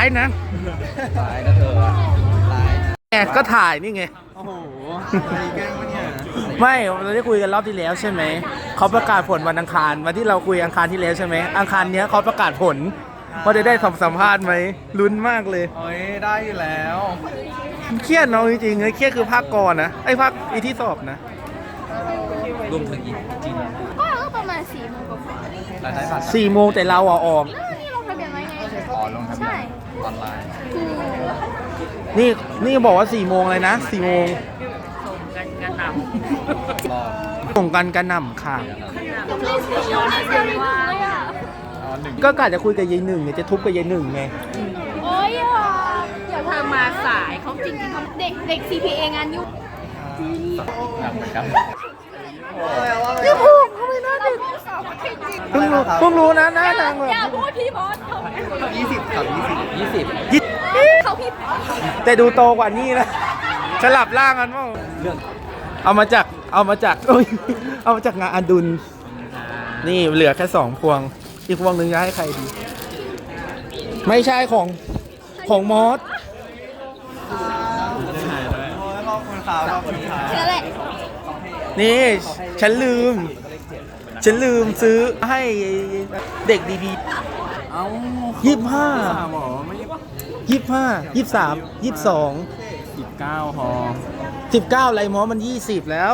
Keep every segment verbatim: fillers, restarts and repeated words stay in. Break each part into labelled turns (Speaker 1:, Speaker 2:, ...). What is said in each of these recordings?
Speaker 1: ฟ์นะ
Speaker 2: ไลน์นะเธอไลน์
Speaker 1: แอบก็ถ่ายนี่ไง
Speaker 2: โอ้โหอะไรแกล้งวะเนี่ย
Speaker 1: ไม่เราได้คุยกันรอบที่แล้วใช่ไหมเขาประกาศผลวันอังคารวันที่เราคุยอังคารที่แล้วใช่ไหมอังคารเนี้ยเขาประกาศผลว่าจะได้สัมสัมภาษณ์ไหมลุ้นมากเลย
Speaker 2: โอ้ยได้อยู่แล้ว
Speaker 1: เครียดเนาะจริงๆเลยเครียดคือภาคก่อนนะไอ้ภาคอีที่สอบนะ
Speaker 2: รวมถึงอีกจริง
Speaker 3: ก็ประมาณสี่โมงกว่า
Speaker 2: รายได้บัตร
Speaker 1: สี่โมงแต่เราอ่ะออก
Speaker 3: ๆแล้วนี่ลงทะเบียนไว้ไง
Speaker 2: อ๋อลงทะเบีย
Speaker 3: ใช่
Speaker 2: นออนไลน์
Speaker 3: คือ
Speaker 1: นี่นี่บอกว่าสี่โมงเลยนะสี่โมง
Speaker 2: รอ
Speaker 1: ส่งกันกระหน่ำค่ะ
Speaker 3: ยังไม่เสร็จยังไม่เสร็จเลยอ่ะ
Speaker 2: อ๋อหนึ่ง
Speaker 1: ก็กะจะคุยกับยายหนึ่งเนี่ยจะทุบกับยายหนึ่งไง
Speaker 3: โอ้ยอ่ะเดี๋ยวเธอมาสายเขาจริงๆเขาเด็กเด็ก ซี พี เอ งานยุ่ง
Speaker 2: หนักเหมือนกัน
Speaker 1: พี่ภูมิเขาไม่น่าเด็ก
Speaker 3: สอบจริง
Speaker 1: เพิ่งรู้เพิ่งรู้นะหน้านางแบบ
Speaker 3: อย่าพูดพี่บอสเขา
Speaker 2: ยี่สิบกับยี่สิบยี่สิบ
Speaker 1: ยิด
Speaker 3: เขาพี่
Speaker 1: แต่ดูโตกว่านี่นะสลับร่างกันมั้ง
Speaker 2: เรื่อง
Speaker 1: เอามาจากเอามาจากโอ้ยเอามาจากงานอดุลนี่เหลือแค่สองพวงอีกพวงหนึ่งจะให้ใครดี ไม่ใช่ของของมอส
Speaker 2: รอบคนขาวรอบคนขาว
Speaker 3: นั่นแหละ
Speaker 1: นี่ฉันลืม ฉันลืมซื้อให้เด็กดีๆ
Speaker 2: เอ้า
Speaker 1: ยี่สิบห้า
Speaker 2: หมอไม่
Speaker 1: ยี่สิบห้ายี่สิบสามยี่สิบสอง
Speaker 2: สิบเก้าพอ
Speaker 1: สิบเก้าไรมอมันยี่สิบแล้ว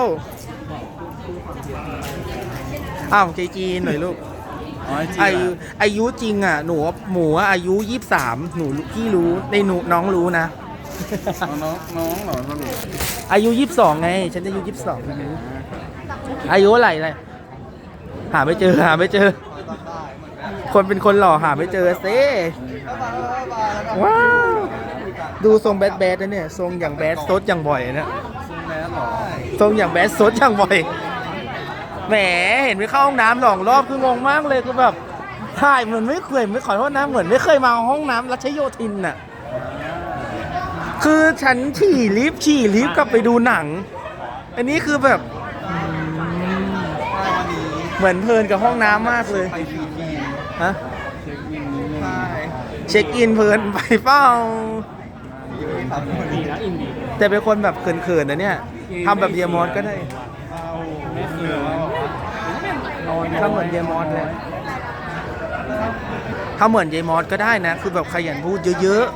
Speaker 1: อ้าวเจจีนหน่อยลูก
Speaker 2: อ๋อจริง
Speaker 1: อายุอายุจริงอ่ะหนูหมูอายุยี่สิบสามหนูพี่รู้ในหนูน้องรู้นะ
Speaker 2: น้องน้องเหรอสรุป
Speaker 1: อายุยี่สิบสองไง ฉันอายุยี่สิบสองอายุอะไรเลยหาไม่เจอหาไม่เจอ คนเป็นคนหล่อหาไม่เจอเซ่ว้าวดูทรงแบดแบดนะเนี่ยทรงอย่างแบดซดอย่างบ่อยนะ
Speaker 2: ซึ่งแม่หรอ
Speaker 1: ทรงอย่างแบดซดอย่างบ่อยแหมเห็นไปเข้าห้องน้ำหลองรอบคืองงมากเลยคือแบบถ่ายเหมือนไม่เคยไม่ขอโทษนะเหมือนไม่เคยมาห้องน้ำรัชโยธินน่ะคือฉันฉี่ลิฟต์ฉี่ลิฟต์กลับไปดูหนัง อันนี้คือแบบ
Speaker 2: วันนี้
Speaker 1: เหมือนเพลินกับห้องน้ำมากเลย
Speaker 2: ไปฟรีที
Speaker 1: ฮะ
Speaker 2: เช็คอินนิดนึงใช่
Speaker 1: เช็คอินเพลินไปเปล่า
Speaker 2: ยูไม่ทำคนนี้นะอินดี
Speaker 1: แต่เป็นคนแบบเขินๆนะเนี่ยทำแบบเดียมอสก็ได้
Speaker 2: ไม่คือว่า
Speaker 1: ถ้าเหมือนเดียมอสเลยถ้าเหมือนเดียมอสก็ได้นะ คือแบบขยันพูดเยอะ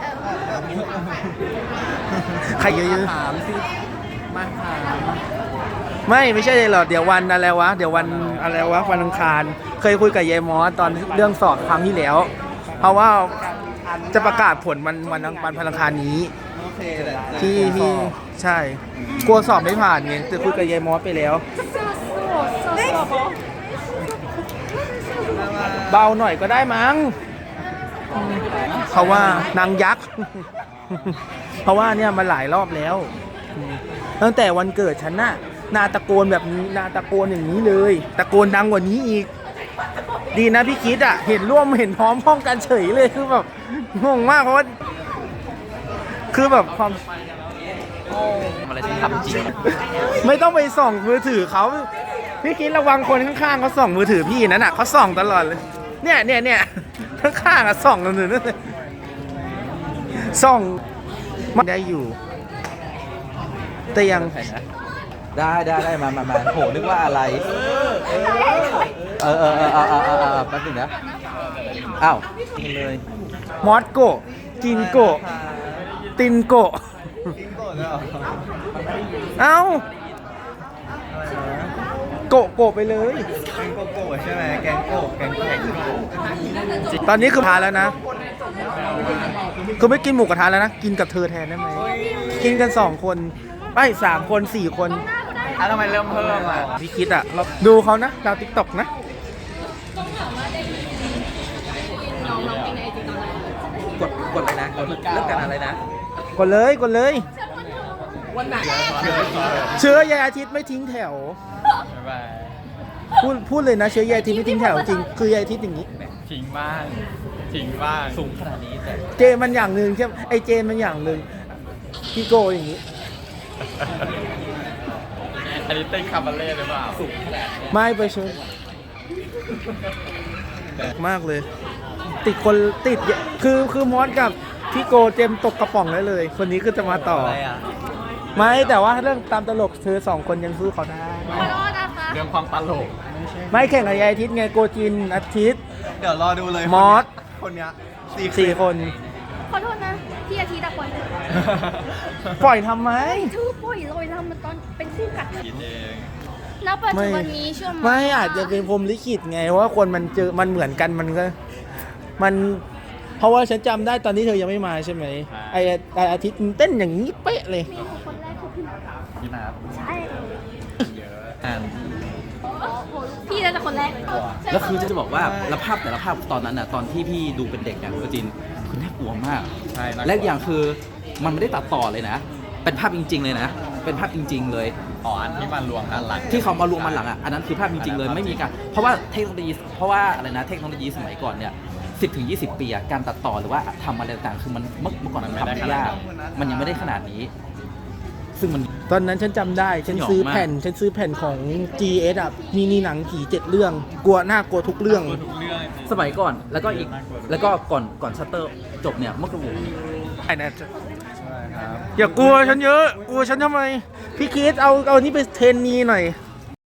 Speaker 1: ๆใครเยอะ
Speaker 2: ถามสิมาถาม
Speaker 1: ๆไม่ไม่ใช่เลยหรอกเดี๋ยววันอะไรวะเดี๋ยววันอะไรวะวันอังคารเคยคุยกับเยมอสตอนเรื่องสอบครั้งที่แล้ว เพราะว่าจะประกาศผลวันวันวันพลังคารนี้
Speaker 2: โอเคแหละ
Speaker 1: ที่ที่ใช่กลัวสอบไม่ผ่านไงแต่คุยกับยายมอสไปแล้ว เบาหน่อยก็ได้มั้งเพราะว่านางยักษ์ เพราะว่าเนี่ยมาหลายรอบแล้ว ตั้งแต่วันเกิดฉันน่ะนาตะโกนแบบนี้นาตะโกนอย่างนี้เลย ตะโกนดังกว่านี้อีก ดีนะพี่คิดอ่ะ เห็นร่วมเห็นพร้อมพ้องกันเฉยเลยคือแบบงงมากเพราะว่าคือแบบความ
Speaker 2: อะไรที่ทำจริง
Speaker 1: ไม่ต้องไปส่องมือถือเขาพี่คิดระวังคนข้างๆเขาส่องมือถือพี่นั่นน่ะเขาส่องตลอดเลยเนี่ยเนี่ยเนี่ยข้างๆอ่ะส่องกันอยู่นั่นเลยส่องไม่ได้อยู่ แต่ยัง
Speaker 2: ได้ได้ได้มามามาโหนึกว่าอะไร เออเออเออเออเออเออเออแป๊บนึงนะอ้าวกินเลย
Speaker 1: มอสโกะจินโกะตินโกะ
Speaker 2: กินก่อนแล้ว
Speaker 1: เอ้าโกะโกะไปเลย
Speaker 2: แกงโกโก้ใช่ไหมแกงโกแกงโก
Speaker 1: ตอนนี้คือทานแล้วนะคือไม่กินหมูกระทะแล้วนะกินกับเธอแทนได้ไหมกินกันสองคนไม่สามคนสี่คน
Speaker 2: อ่ะทำไมเริ่มเพิ่มอ่ะ
Speaker 1: พี่คิดอ่ะเราดูเขานะดาวติ๊กต็อกนะ
Speaker 2: กดกดเลยนะกดเลือกกันอะไรนะ
Speaker 1: กดเลยกดเลย
Speaker 2: วันไหน
Speaker 1: เชื้อยายอาทิตย์ไม่ทิ้งแถว
Speaker 2: บ๊ายบาย
Speaker 1: พูดพูดเลยนะเชื้อยายอาทิตย์ไม่ทิ้งแถวจริงคือยายอาทิตย์อย่างนี้
Speaker 2: ทิ้งบ้างทิ้งบ้างสูงขนาดนี้แต่
Speaker 1: เจนมันอย่างหนึ่งใช่ไหมไอเจนมันอย่างหนึ่งพี่โกอย่างนี้
Speaker 2: อันนี้เต้นคาบาเล่หรือเปล่าสูงขนาดนี้
Speaker 1: ไม่ไปชนมากเลย ติดคนติดคือคือมอสกับพี่โกเจมตกกระป๋องได้เลย คนนี้ก็จะมาต่อ
Speaker 2: อะไรอ่ะ
Speaker 1: ไม่แต่ว่าเรื่องตามตลกเธอสองคนยังสู้เขาได้
Speaker 3: ขอโทษนะคะ
Speaker 2: เรื่องความตลก
Speaker 1: ไม่แข่งกับยายอาทิตย์ไงโกจินอาทิตย์
Speaker 2: เดี๋ยวรอดูเลย
Speaker 1: มอส
Speaker 2: คนเนี้ย
Speaker 1: สี่คน
Speaker 3: ขอโทษนะพี่อาทิตย์อะปล่อย
Speaker 1: ปล่อยทำไม
Speaker 3: ชื่อปล่อยลอยทำมันตอนเป็นคู่กัด
Speaker 2: คิดเอง
Speaker 3: ณปัจจุบันนี้เชื่อไหม
Speaker 1: ไม่อาจจะเป็นพรหมลิขิตไงว่าคนมันเจอมันเหมือนกันมันก็ มัน เพราะว่าฉันจำได้ตอนที่เธอยังไม่มาใช่ไหมไอไออาทิตย์มันเต้นอย่างนี้เป๊ะเลย
Speaker 3: เมนูคนแรกคือพี่
Speaker 2: พี่นับ
Speaker 3: ใช่
Speaker 2: เยอะอ่าน
Speaker 3: พี่น่าจะคนแรก
Speaker 4: แล้วคือจะบอกว่าแล้วภาพแต่ละภาพตอนนั้นน่ะตอนที่พี่ดูเป็นเด็กเนี่ยก็จริงคือน่ากลัวมาก
Speaker 2: ใช่น่ากลัว
Speaker 4: และอีกอย่างคือมันไม่ได้ตัดต่อเลยนะ เป็นภาพจริง ๆ เลยนะ เป็นภาพจริง ๆ เลย
Speaker 2: อ๋ออันที่มันรวมกันหลัง
Speaker 4: ที่เขามารวมมันหลังอ่ะอันนั้นคือภาพจริง ๆ เลยไม่มีการเพราะว่าเทคโนโลยีเพราะว่าอะไรนะเทคโนโลยีสมัยก่อนเนี่ยสิบถึงยี่สิบปีอะการตัดต่อหรือว่าทำอะไรต่างๆคือมันเมื่อเมื่อก่อนมันทำยากมันยังไม่ได้ขนาดนี้ ซึ่งมัน
Speaker 1: ตอนนั้นฉันจำได้ ฉัน
Speaker 4: สยอง
Speaker 1: ซื้อ
Speaker 4: มาก
Speaker 1: แผ่น ฉันซื้อแผ่นของ จี เอส อ่ะ มีมีหนังผีเจ็ดเรื่อง กลัวหน้ากลัวทุกเรื่อง
Speaker 4: สมัยก่อนแล้วก็อีกแล้วก็ก่อนก่อนชัตเตอร์จบเนี่ยเมื่อกี้
Speaker 1: ไอ้นั่น
Speaker 2: ใช่ครับ
Speaker 1: อย่ากลัวฉันเยอะ กลัวฉันทำไม พี่คิดเอาเอานี่ไปเทรนนีหน่อย
Speaker 2: ไ